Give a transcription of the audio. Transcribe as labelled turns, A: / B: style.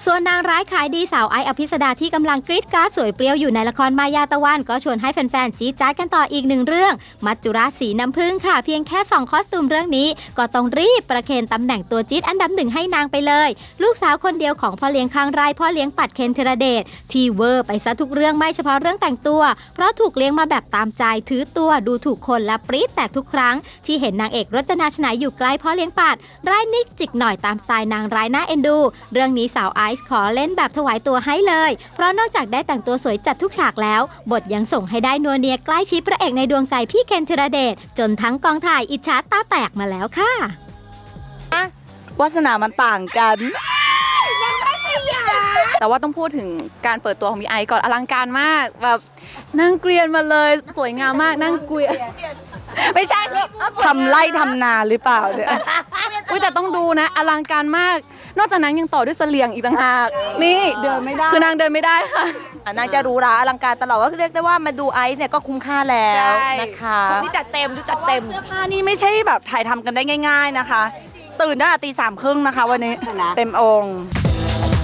A: ส่วนนางร้ายขายดีสาวไอซ์อภิสดาที่กำลังกรี๊ดกราดสวยเปรี้ยวอยู่ในละครมายาตะวันก็ชวนให้แฟนๆจี๊ดจ๊าดกันต่ออีกหนึ่งเรื่องมัจจุราชสีน้ำผึ้งค่ะเพียงแค่2คอสตูมเรื่องนี้ก็ต้องรีบประเคนตำแหน่งตัวจี๊ดอันดับหนึ่งให้นางไปเลยลูกสาวคนเดียวของพ่อเลี้ยงคางไร่พ่อเลี้ยงปัดเคนธีรเดชที่เวอร์ไปซะทุกเรื่องไม่เฉพาะเรื่องแต่งตัวเพราะถูกเลี้ยงมาแบบตามใจถือตัวดูถูกคนและปรี๊ดแตกทุกครั้งที่เห็นนางเอกรจนาชนายอยู่ใกล้พ่อเลี้ยงปัดร้ายนิกจิกหน่อยตามสไตล์นางร้ายน่าเอ็นดูเรื่องนี้สาวไอซ์ขอเล่นแบบถวายตัวให้เลยเพราะนอกจากได้แต่งตัวสวยจัดทุกฉากแล้วบทยังส่งให้ได้นัวเนียใกล้ชิดพระเอกในดวงใจพี่เคนธีรเดชจนทั้งกองถ่ายอิจฉาตาแตกมาแล้วค่ะ
B: วาสนามันต่างกัน
C: แต่ว่าต้องพูดถึงการเปิดตัวของพี่ไอซ์ก่อนอลังการมากแบบนั่งเกรียนมาเลยสวยงามมากนั่งเกวียนไม่ใช่คือ
B: ทำไร่ทำนาหรือเปล่าเนี่ย
C: แต่ต้องดูนะอลังการมากนอกจากนั้นยังต่อด้วยเสลียงอีกต่างหากนี่
B: เดินไม่ได้
C: คือนางเดินไม่ได้ค่ะ
B: นางจะรู้ราอลังการตลอดก็เรียกได้ว่ามาดูไอซ์เนี่ยก็คุ้มค่าแล้วนะคะ
C: นี่จัดเต็มเสื้
B: อผ้านี่ไม่ใช่แบบถ่ายทำกันได้ง่ายๆนะคะตื่นตั้งแต่ตี 3:30นะคะวันนี้เต็มองค์